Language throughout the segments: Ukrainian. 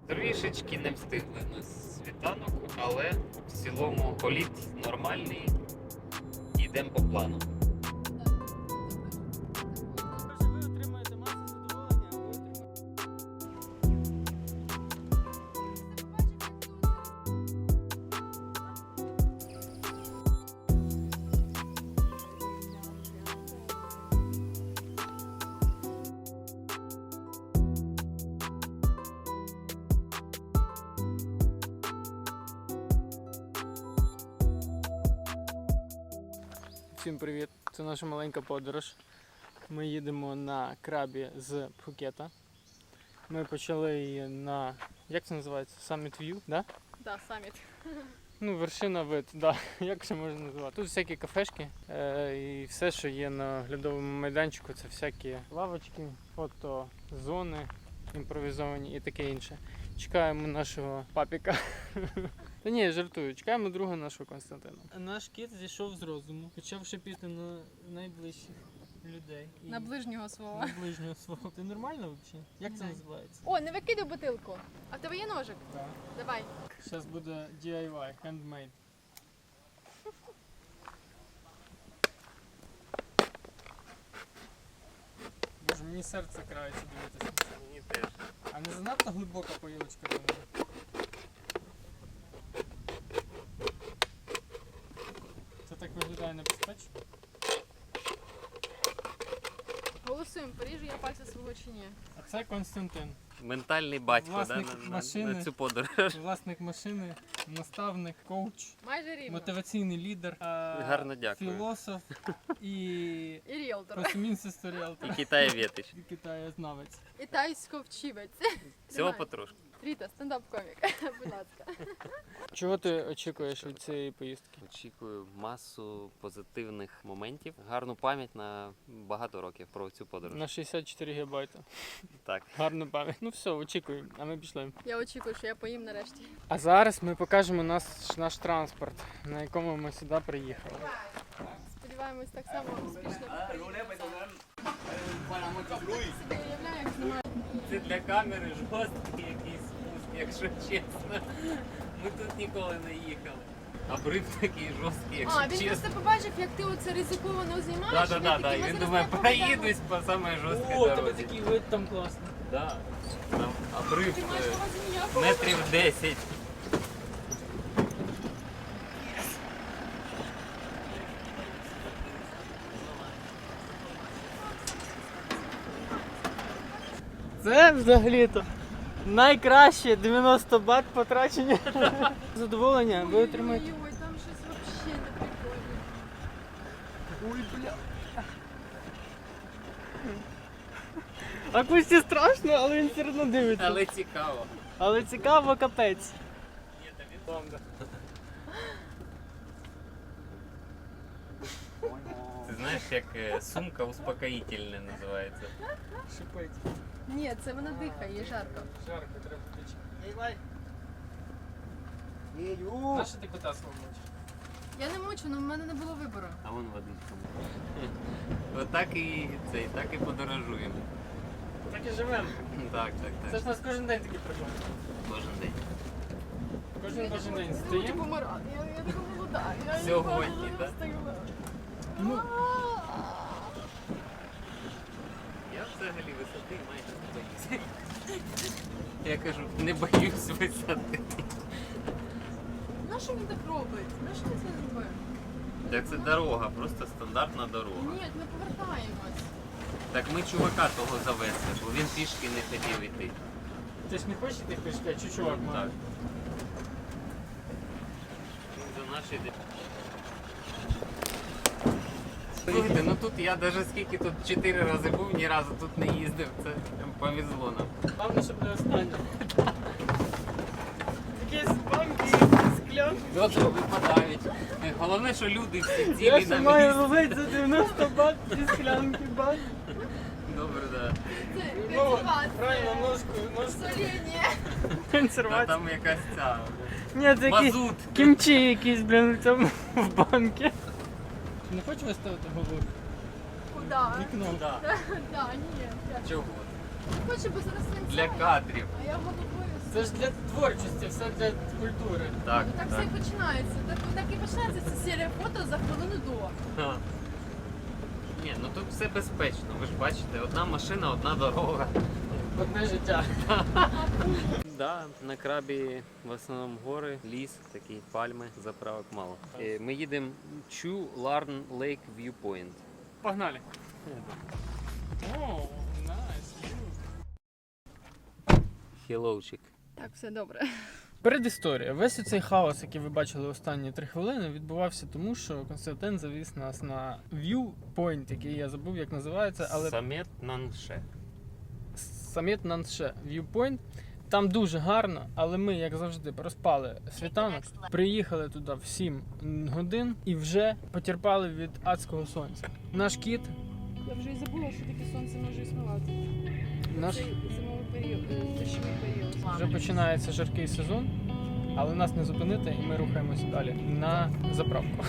Трішечки не встигли на світанок, але в цілому політ нормальний. Йдемо по плану. Ви отримаєте масу задоволення, а ви отримаєте. Всім привіт! Це наша маленька подорож. Ми їдемо на крабі з Пхукета. Ми почали її на, як це називається? Summit View, да? Да, саміт. Ну, вершина вид, да. Як це можна назвати? Тут всякі кафешки і все, що є на оглядовому майданчику, це всякі лавочки, фотозони імпровізовані і таке інше. Чекаємо нашого папіка. Та ні, я жартую. Чекаємо друга нашого Константина. Наш кіт зійшов з розуму, почав шипіти на найближчих людей. На ближнього свого. На ближнього свого. Ти нормально взагалі? Як це Да. називається? О, не викидай бутилку. А в тебе є ножик? Так. Давай. Зараз буде DIY, handmade. Боже, мені серце крається дивитися. Мені теж. А не занадто глибока поїлочка до мене? Це так виглядає небезпечно? Голосуємо, поріжу я пальці свого чи ні. А це Константин, Ментальний батько, Власник да, машини. на цю подорож. власник машини, наставник, коуч, Майже рівно. мотиваційний лідер, Гарно дякую. філософ і І ріелтор. просумінця ріелтор. І Китаєвєтич. І китаєзнавець. І тайсько-вчивець. Всього Давай. потрошку. Ріта, стендап-комік. Будь ласка. Чого ти очікуєш від цієї поїздки? Очікую масу позитивних моментів, гарну пам'ять на багато років про цю подорож. На 64 гігабайта. Так. Гарна пам'ять. Ну все, очікуємо, а ми пішли. Я очікую, що я поїм нарешті. А зараз ми покажемо наш транспорт, на якому ми сюди приїхали. Сподіваємось, так само успішно. Собі уявляю, як знімаю. Це для камери жорсткий якийсь спуск, якщо чесно. Ми тут ніколи не їхали. Обрив такий жорсткий, якщо А, він чесно. просто побачив, як ти оце ризиковано знімаєш. Да. І він думає, проїдусь по самій жорсткій дорозі. вид там класний. Да. Там обрив Ти маєш на увазі ніякого? метрів 10. Це взагалі-то найкраще 90 бат потрачені. Задоволення ви отримаєте. Ой, там щось взагалі не прикольно. Ой, бля. А Кості страшно, але він все одно дивиться. Але цікаво. Але цікаво, капець. Ні, та він бомба. Ти знаєш, як сумка успокоїтельна називається. Шипить. Ні, це вона дихає, їй жарко. Жарко, треба печі. Нащо ти кота свого мочиш? Я не мучу, але в мене не було вибору. А вон водичка. Отак так і подорожуємо. Так і живемо. Так. Це ж у нас кожен день такі проблеми. Кожен день. Кожен день Я не стоїмо. хочу помирати, я така молода. Я Сьогодні, не так? встигла. Ну. Я взагалі висоти майже не боюся. Я кажу, не боюсь висоти. Нащо він так робить? Нащо він це робить? Так це дорога, просто стандартна дорога. Ні, ми повертаємось. Так ми чувака того завезли, бо він пішки не хотів йти. Ти ж не хочеш йти пішки, а чи чувак має? Так. Він за наші йде. Слухайте, ну тут я навіть скільки тут 4 рази був, ні разу тут не їздив, це повезло нам. Головне, щоб не останнє. Якісь банки, склянки. Добре, випадають. Головне, що люди всі Я цілі ще на маю місці. ловити за 90 бат ці склянки, бат. Добре, так. Це Ну, консервація. правильно, ножку. Соління. Да. Консервація. Там якась ця Ні, це якісь мазут. кімчі якісь, блін, в цьому в банки. Не хочу виставити голову? Куда? Вікно. Да. Да, ні. Чого? Хочу, бо зараз Для кадрів. А я головою Це ж для творчості, все для культури. Так, Ну так все і починається. Так і починається ця серія фото за хвилину до. Ха. Ні, ну тут все безпечно. Ви ж бачите, одна машина, одна дорога. Одне життя. Да, на крабі в основному гори, ліс, такі пальми, заправок мало. Ми їдемо Chu Larn Lake Viewpoint. Погнали. О, найс. Хеллоучик. Так, все добре. Передісторія. Весь цей хаос, який ви бачили останні 3 хвилини, відбувався тому, що Константин завіз нас на Viewpoint, який я забув, як називається, але Самет Нанше. Саміт Нанше Viewpoint. Там дуже гарно, але ми, як завжди, проспали світанок, приїхали туди в 7 годин і вже потерпали від адського сонця. Наш кіт, Я вже і забула, що таке сонце може існувати. наш Цей зимовий період, дощовий період. вже починається жаркий сезон, але нас не зупинити, і ми рухаємося далі на заправку.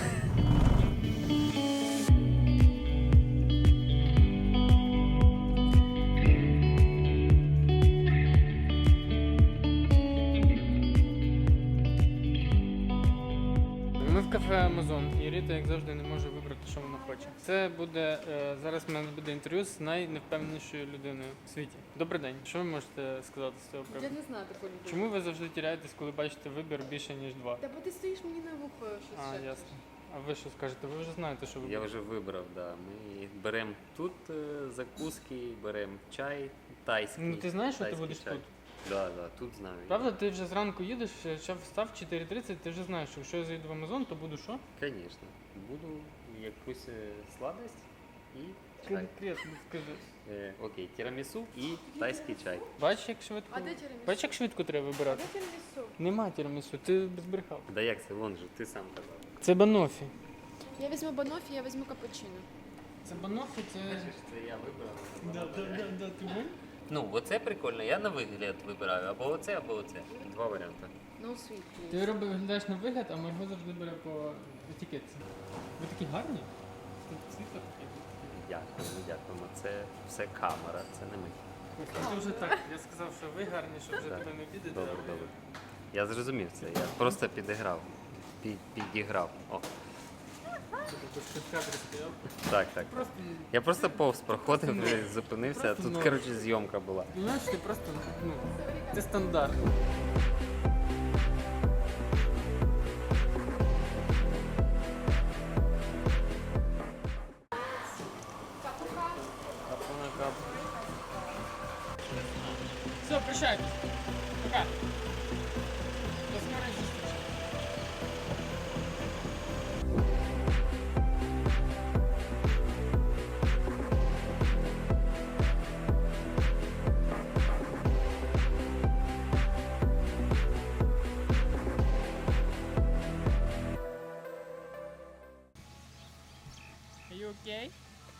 Ми в кафе Амазон, і Ріта, як завжди, не може вибрати, що вона хоче. Це буде зараз. В мене буде інтерв'ю з найневпевненішою людиною в світі. Добрий день. Що ви можете сказати з цього Я приводу? не знаю таку людину. Чому ви завжди тіряєтесь, коли бачите вибір більше ніж 2? Та бо ти стоїш мені на вухо щось. А, ще. ясно. А ви що скажете? Ви вже знаєте, що ви Я вже вибрав, да. Ми беремо тут закуски, беремо чай тайський. Ну ти знаєш, що ти тайський будеш чай. тут? Да, тут знаю. Правда, ти вже зранку їдеш, ще встав 4:30, ти вже знаєш, що якщо я заїду в Амазон, то буду що? Звісно. Буду якусь сладость і чай. Конкретно скажи. Окей, тірамісу і тайський чай. Бачиш, як швидко. А де тірамісу? Бачиш, як швидко треба А вибирати? де тірамісу? Нема тірамісу, ти збрехав. Да як це, вон же, ти сам казав. Це банофі. Я візьму банофі, я візьму капучино. Це банофі, це. Бачиш, це я вибрав. Да, ти був? Ну, оце прикольно, я на вигляд вибираю. Або оце, або оце. Два варіанти. No sweet, please. Ти виглядаєш на вигляд, а Марго завжди бере по етикетці. Ви такі гарні? Тут світло таке. Дякуємо. Це все камера, це не ми. Це вже так. Я сказав, що ви гарні, щоб вже Так. тебе не обідати. Добре, але- добре. Я зрозумів це, я просто підіграв. Підіграв. О, Ти тут в кадрі стояв. так. Просто, Я просто повз проходив, зупинився, а Просто тут, ноль. коротше, зйомка була. знаєш, ти просто, ну, це стандарт. Все, прощайтесь. Пока. До скорої зустрічі. Are you okay?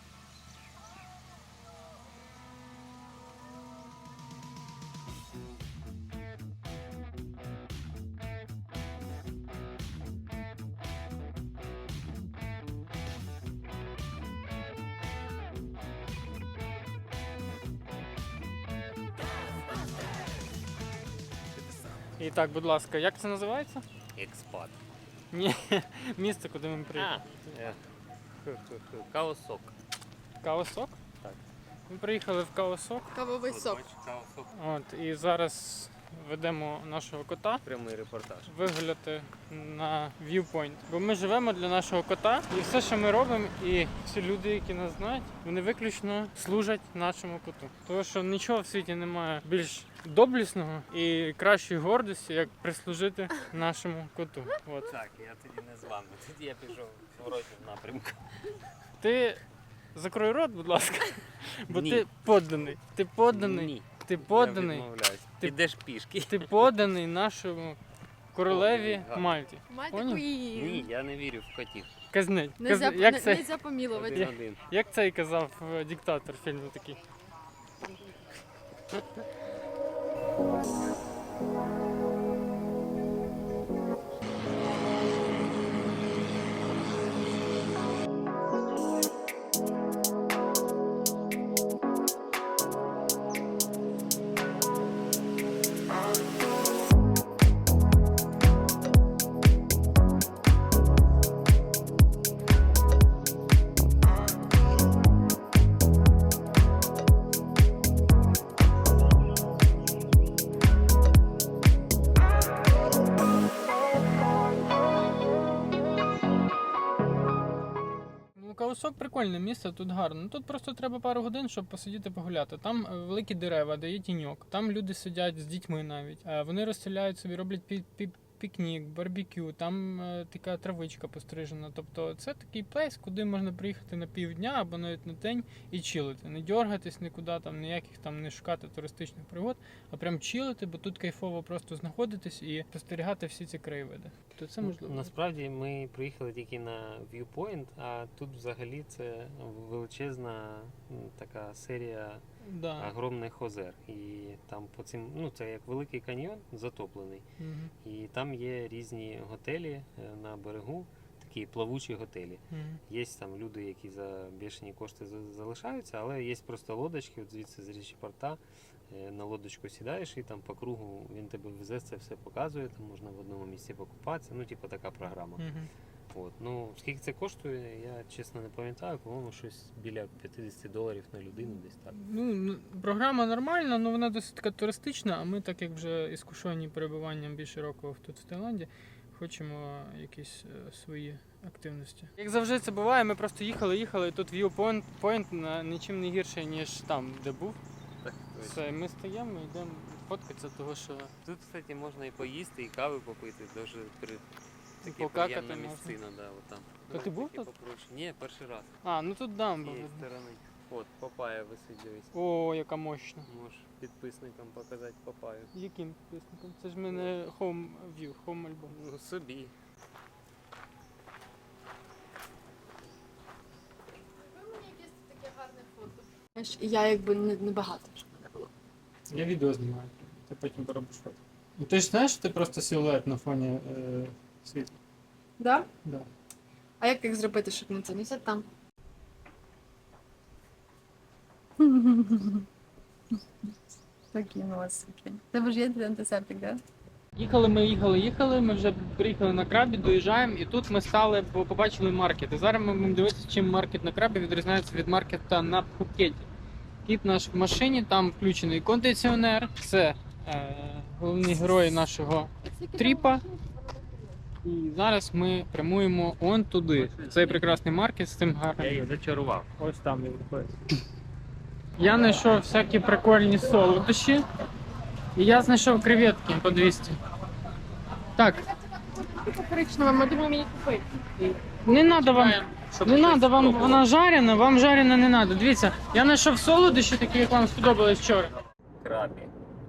І так, будь ласка, як це називається? Експат. Ні, місце, куди ми приїхали. Каосок. Каосок? Так. Ми приїхали в Каосок. Кавовий сок. Каосок. От, і зараз ведемо нашого кота Прямий репортаж. вигуляти на Viewpoint. Бо ми живемо для нашого кота, і все, що ми робимо, і всі люди, які нас знають, вони виключно служать нашому коту. Тому що нічого в світі немає більш доблісного і кращої гордості, як прислужити нашому коту. От. Так, я тоді не з вами. Тоді я пішов в воротнім напрямку. Ти закрой рот, будь ласка, бо Ні. ти подданий. Ти подданий. Ні. Ти Я подданий. відмовляюсь. Ти- Підеш пішки. Ти подданий нашому королеві Подданий, Мальті. Мальта Поняв? Куїн. Ні, я не вірю в котів. Казнить. Нельзя, Як це? нельзя помилувати. Один-один. Як цей казав диктатор фільму такий? Владивосток прикольне місце, тут гарно. Тут просто треба пару годин, щоб посидіти погуляти. Там великі дерева, де є тіньок. Там люди сидять з дітьми навіть. Вони розстріляють собі, роблять пікнік, барбекю, там така травичка пострижена. Тобто це такий плейс, куди можна приїхати на півдня або навіть на день і чилити. Не дьоргатись нікуди, там ніяких там не шукати туристичних пригод, а прям чилити, бо тут кайфово просто знаходитись і спостерігати всі ці краєвиди. То це можливо. Насправді ми приїхали тільки на Viewpoint, а тут взагалі це величезна така серія огромних озер. І там по цим, це як великий каньйон затоплений. І там є різні готелі на берегу, такі плавучі готелі. Є там люди, які за бешені кошти залишаються, але є просто лодочки, от звідси з річі порта. На лодочку сідаєш і там по кругу він тебе везе, це все показує, там можна в одному місці покупатися, така програма. От. Скільки це коштує, я чесно не пам'ятаю, по-моєму, щось біля $50 на людину десь так. Програма нормальна, але вона досить така туристична, а ми, так як вже іскушені перебуванням більше року тут в Таїланді, хочемо якісь свої активності. Як завжди це буває, ми просто їхали, і тут Viewpoint нічим не гірше, ніж там, де був. Так, все, ми стоїмо і йдемо фоткатися, того що... Тут, кстати, можна і поїсти, і кави попити, дуже таке покакати приємна можна. місцина, отам. То ти був тут? Ні, перший раз. тут дам З був. цієї сторони. От, папая висить, дивись. О, яка мощна. Можеш підписникам показати папаю. Яким підписником? Це ж в мене Home View, Home альбом. Собі. Ви мені якесь таке гарне фото. Я якби не багато. Я відео знімаю, ти потім поробиш фото. Ти ж знаєш, що ти просто силует на фоні світла? Да? Да. А як зробити, щоб не це? Не сядь там. Такі у вас такі. Це ж є антисептик, так? Їхали, ми вже приїхали на Крабі, доїжджаємо, і тут ми стали, бо побачили маркет. І зараз ми будемо дивитися, чим маркет на Крабі відрізняється від маркета на Пхукеті. Кіт наш в машині, там включений кондиціонер, це головні герої нашого тріпа. І зараз ми прямуємо он туди, в цей прекрасний маркет з цим гарним. Я їх зачарував. Ось там він знаходиться. Я знайшов всякі прикольні солодощі. І я знайшов креветки по 200. Так. Коричнева, ми думаємо її купити. Не надо вам, вона жарена, вам жарена не треба. Дивіться, я знайшов солодощі такі, як вам сподобалось вчора. Крабі.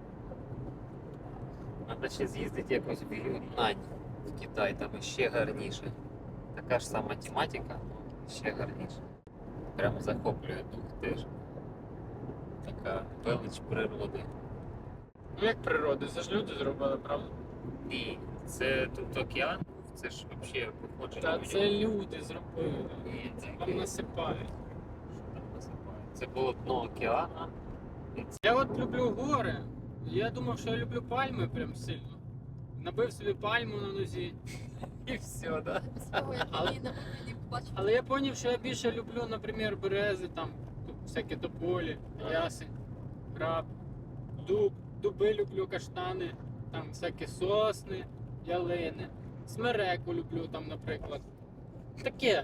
Треба ще з'їздити якось в Юнань, в Китай, там ще гарніше. Така ж сама тематика, ще гарніше. Прямо захоплює дух теж. Така велич природи. Ну як природа, це ж люди зробили, правда? Ні, це тут океан, це ж взагалі походження. Та це люди зробили. Ні, це Там насипають. Що там насипають? Це було дно океану. Я от люблю гори. Я думав, що я люблю пальми прям сильно. Набив собі пальму на нозі. І все, да? Але я зрозумів, що я більше люблю, наприклад, берези, там всякі тополі, ясень, граб, дуб, дуби люблю, каштани, там всякі сосни, ялини, смереку люблю там, наприклад. Таке.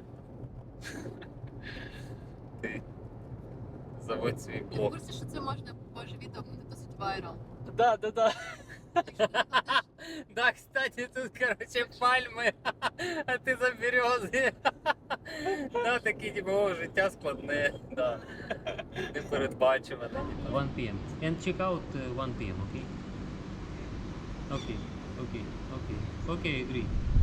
Ти заводь свій Я в блог. курсі, що це можна, боже, відео буде досить вайрал. Да. Да, кстати, тут, короче, пальми, а ти за берези. Да, такі, типу, о, життя складне, да. Непередбачуване. 1 p.m. And check out 1 p.m., okay? Okay, agree.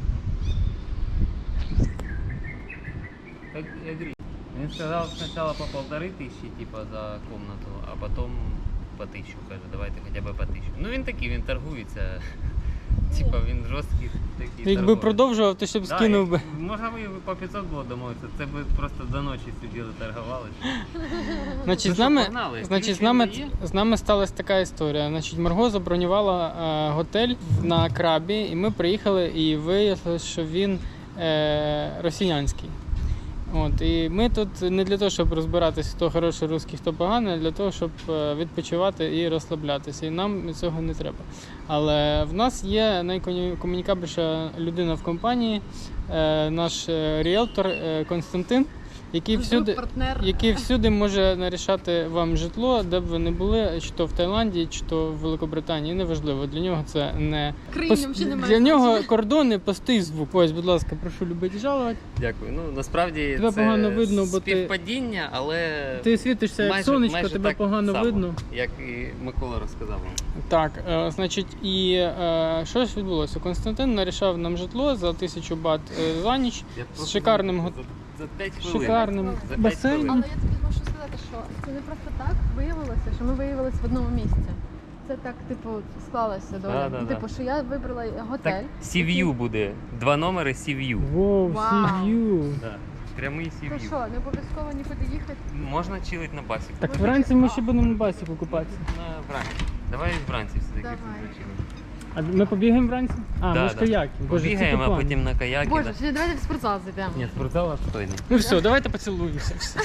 Agree. Він сказав спочатку по 1500, типа, за комнату, а потім по 1000, каже, давайте хоча б по 1000. Ну він такий, він торгується. Типа він жорсткий такий. Якби продовжував, то ще б скинув би. Можна би по 500 було домовитися, це би просто до ночі сиділи, торгувалися. Значить, Ну з що, нами, погнали? значить, Ключі з нами сталася така історія. Значить, Марго забронювала готель на Крабі, і ми приїхали, і виявилося, що він росіянський. От, і ми тут не для того, щоб розбиратися, хто хороший русський, хто поганий, а для того, щоб відпочивати і розслаблятися. І нам цього не треба. Але в нас є найкомунікабельніша людина в компанії, наш ріелтор Константин. партнер. який всюди може нарішати вам житло, де б ви не були, чи то в Таїланді, чи то в Великобританії, неважливо. Для нього це не Країні взагалі немає для нього значення. кордони пустий звук. Ось, будь ласка, прошу любити жалувати. Дякую. Ну, насправді Тебе це погано видно, бо ти- співпадіння, але Ти світишся як сонечко, тебе так погано само, видно. як і Микола розказав вам. Так, значить, і що ж відбулося? Константин нарішав нам житло за 1000 бат за ніч Я з просто шикарним за 5 хвилин. шикарним За 5 басейном. Але я тобі можу сказати, що це не просто так виявилося, що ми виявилися в одному місці. Це так, типу, склалося доля. Да. Типу, що я вибрала готель. Так, Sea-View буде. 2 номери Sea-View. Воу, Вау. сів'ю. Да. Прямий То Sea-View. що, не обов'язково нікуди їхати? Можна чилити на басі. Так вранці ми ще будемо на басі покупатися. Вранці. Давай вранці все-таки Давай. зачилимо. А ми побігаємо вранці? А, Да, ми ж да. каяки. Боже, це Побігаємо, а по плану. потім на каяки. Боже, да. чи давайте в спортзал зайдемо. Ні, спортзал обстойний. Ну все, давайте поцілуємося. Все.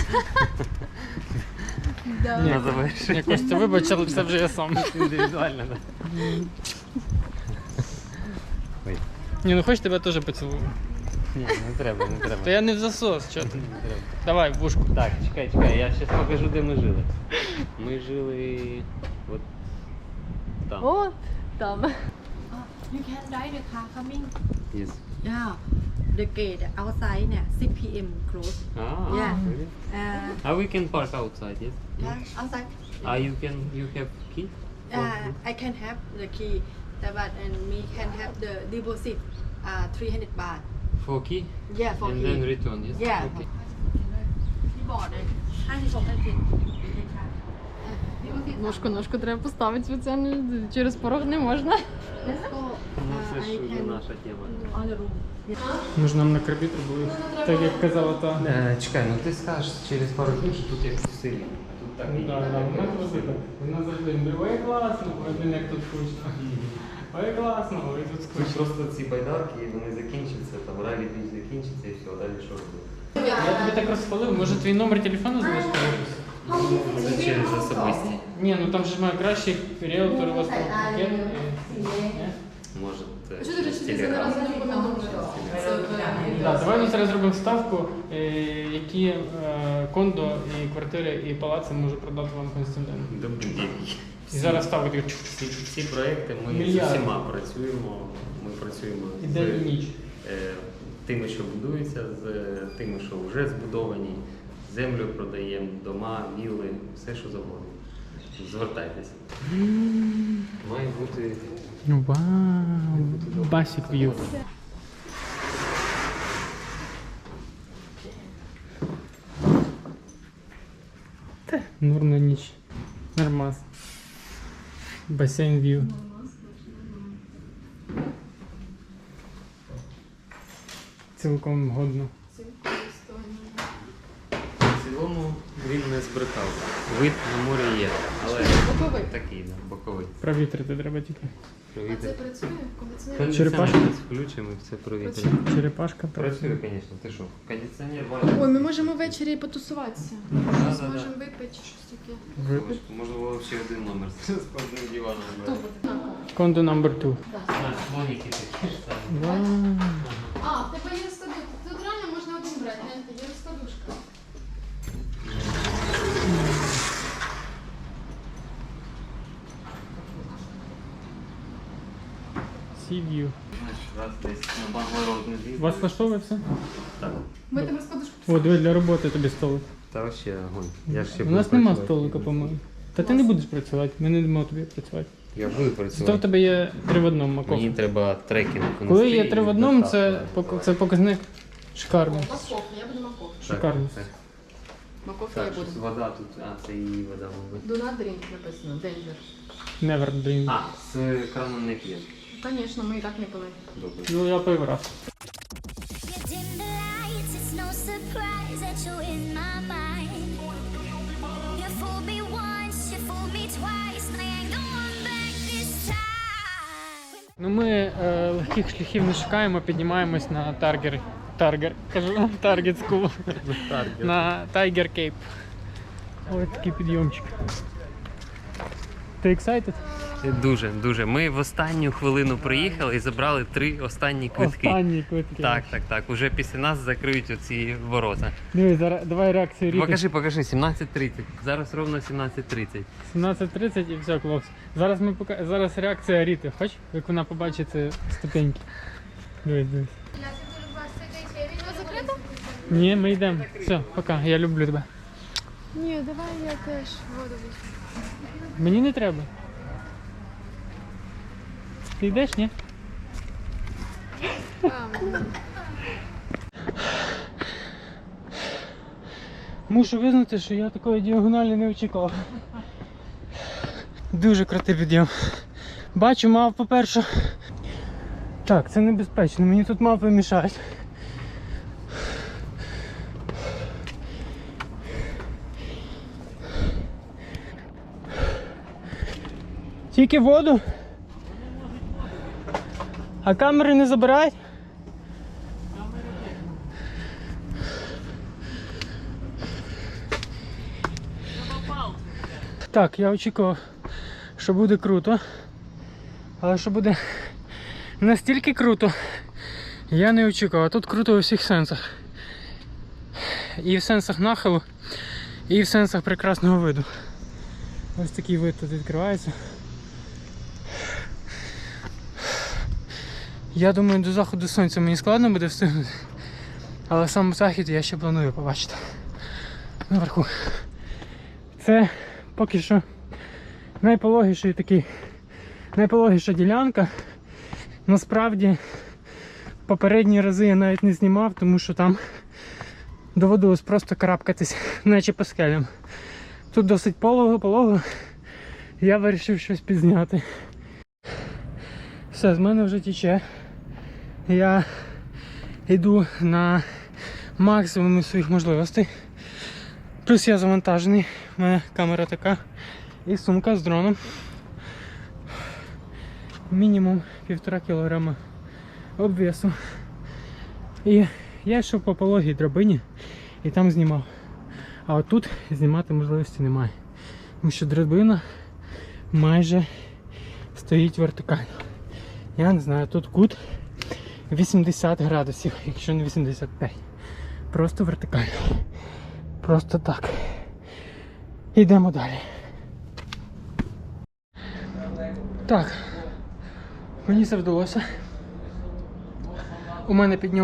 Да. Ні. На завершення. Я Костя, вибач, але це вже я сам. Індивідуально, так. Ой. Ні, ну хоч тебе теж поцілую. Ні, не треба, не треба. Та я не в засос, чого ти? Не треба. Давай, в вушку. Так, чекай, я зараз покажу, де ми жили. Ми жили от там. От там. You can drive the car coming. Yes. Yeah. The gate outside เนี่ย 6 p.m. close. Ah, Yeah. really? Uh, We can park outside, yes? yeah, outside. You have key? I can have the key, but and me can have the deposit 300 baht. For key? Yeah, for And key. then return, yes? Yeah. Okay. ที่บอร์ดเลย56 นาที Ножку треба поставити спеціально, через порог не можна. Let's go. Ну, це I ж can наша тема. on the room. Ми ж нам на крабі були. Так як казала та. Чекай, ну ти скажеш через пару днів, що тут як в селі. Тут так і Да, вона завжди так. Вона завжди говорить, ой, класно, ой, блін, як тут скучно. Ой, класно, ой, тут Тут скучно. просто ці байдарки, вони закінчаться, там ралі бій закінчиться і все, далі що робити? Я тобі так розпалив, може твій номер телефону залишити в описі? Може через особисті. Ні, ну там же ж має кращий ріелтор у вас там пакет. Може, Що ти речі, це не разом Так, давай ми зараз зробимо ставку, які кондо і квартири і палаци може продати вам Константин. Добрий день. І зараз ставка така Ці проекти ми з Мільярди. усіма працюємо. Ми працюємо і день і ніч. тими, що будуються, з тими, що вже збудовані. Землю продаємо, дома, вілли, все, що завгодно. Звертайтеся. Має бути. Вау, басік в'ю. Норм на ніч. Нормас. Басейн в'ю. Цілком годно. В цілому він не збрехав. Вид на море є, але Боковий. такий, да, боковий. Провітрити треба тільки. А це Провітря. працює? Кондиціонер? Черепашка? Кондиціонер включимо і все провітря. Черепашка Працює, звісно, ти що? Кондиціонер варить. Ой, ми можемо ввечері потусуватися. Да. Зможемо випити щось таке. Випить. Можливо, ще один номер з одним диваном. Хто буде? Кондо номер 2. Слоніки такі ж самі. Вау. А, в тебе є розкладушка. Тут реально можна один брати, гляньте, є розкладушка. Sea view. Знаєш, раз десь на Банглород не з'їздив. Вас влаштовує все? Так. Ми тебе розкладушку. О, диви, для роботи тобі столик. Та вообще огонь. Я ж ще У буду нас нема працювати. столика, по-моєму. Та ти не будеш працювати, ми не дамо тобі працювати. Я буду Зато в працювати. тебе є 3 в 1 маковка. Мені треба трекінг. Коли є 3 в 1, це показник шикарний. Морковка, я буду морковка. Шикарний. Морковка я Так, буду. щось вода тут, це її вода, мабуть. Do not drink написано, danger. Never dream. А, з крану не п'є. Звісно, ми і так не пили. Добре. Ну я пив раз. You dim the lights, it's no surprise that you're in my mind. You fooled me once, you fooled me twice, and I ain't going back this time. Ну ми легких шляхів не шукаємо, піднімаємось на Target School. На Tiger Cape. Ось такий підйомчик. Ти excited? Дуже. Ми в останню хвилину приїхали і забрали 3 останні квитки. Останні квитки. Так. Уже після нас закриють оці ворота. Дивись, зараз давай реакцію Ріти. Покажи, 17:30. Зараз ровно 17:30. 17:30 і все, хлопці. Зараз реакція Ріти. Хоч, як вона побачить ці ступеньки. Дивись. Закрито? Ні, ми йдемо. Все, пока, я люблю тебе. Ні, давай я теж воду візьму. Мені не треба. Ти йдеш, ні? Мушу визнати, що я такої діагоналі не очікував. Дуже крутий підйом. Бачу, мав по-перше. Так, це небезпечно, мені тут мавпи мішають. Тільки воду? А камери не забирають? Так, я очікував, що буде круто. Але що буде настільки круто, я не очікував. А тут круто у всіх сенсах. І в сенсах нахилу, і в сенсах прекрасного виду. Ось такий вид тут відкривається. Я думаю, до заходу сонця мені складно буде встигнути. Але сам захід я ще планую побачити. Наверху. Це поки що найпологіша ділянка. Насправді попередні рази я навіть не знімав, тому що там доводилось просто карабкатись, наче по скелям. Тут досить полого, я вирішив щось підзняти. Все, з мене вже тече. Я йду на максимум своїх можливостей. Плюс я завантажений, у мене камера така і сумка з дроном. Мінімум 1,5 кілограма обвесу. І я йшов по пологій драбині і там знімав. А отут знімати можливості немає. Тому що драбина майже стоїть вертикально. Я не знаю, тут кут 80 градусів, якщо не 85. Просто вертикально. Просто так. Йдемо далі. Так. Мені це вдалося. У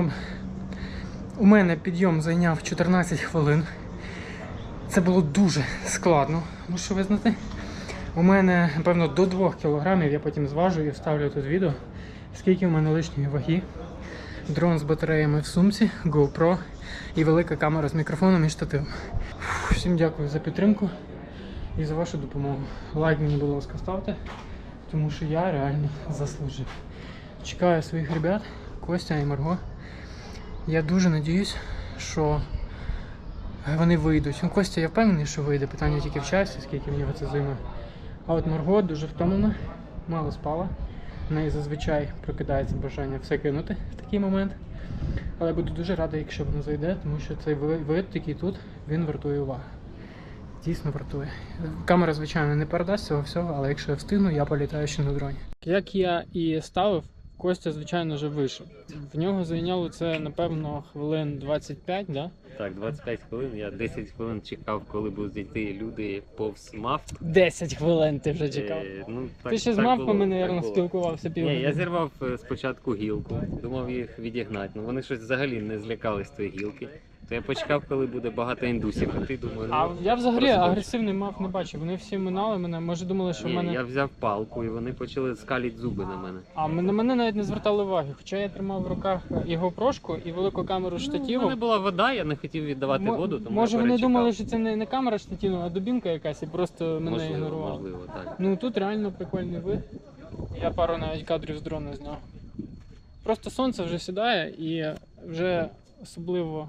мене підйом зайняв 14 хвилин. Це було дуже складно, мушу визнати. У мене, напевно, до 2 кілограмів, я потім зважу і вставлю тут відео, скільки в мене лишньої ваги. Дрон з батареями в сумці, GoPro і велика камера з мікрофоном і штативом. Всім дякую за підтримку і за вашу допомогу. Лайк мені, будь ласка, ставте, тому що я реально заслужив. Чекаю своїх ребят, Костя і Марго. Я дуже надіюсь, що вони вийдуть. Костя, я впевнений, що вийде, питання тільки в часі, скільки в нього це займе. А от Марго дуже втомлена, мало спала. В неї зазвичай прокидається бажання все кинути в такий момент. Але буду дуже радий, якщо воно зайде, тому що цей вид, який тут, він вартує уваги. Дійсно вартує. Камера, звичайно, не передасть цього всього, але якщо я встигну, я політаю ще на дроні. Як я і ставив, Костя, звичайно, вже вийшов. В нього зайняло це, напевно, хвилин 25, да? Так, 25 хвилин. Я 10 хвилин чекав, коли будуть йти люди повз мавп. 10 хвилин ти вже чекав. Ти ще з мавпами, мабуть, спілкувався півгодини. Ні, я зірвав спочатку гілку, думав їх відігнати. Ну вони щось взагалі не злякались тої гілки. То я почекав, коли буде багато індусів, а ти думаю, А я взагалі агресивний мав не бачив. Вони всі минали мене, може думали, що в мене... я взяв палку і вони почали скалити зуби на мене. А на мене навіть не звертали уваги, хоча я тримав в руках його прошку і велику камеру штативу. У мене була вода, я не хотів віддавати воду, тому може я вони перечекав. думали, що це не камера штативу, а дубінка якась і просто мене ігнорували. Можливо, так. Ну тут реально прикольний вид. Я пару навіть кадрів з дрона зняв. Просто сонце вже сідає і вже особливо...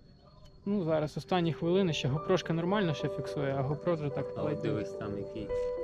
Ну зараз останні хвилини, ще GoPro нормально ще фіксує, а GoPro вже так А от ледь. дивись там який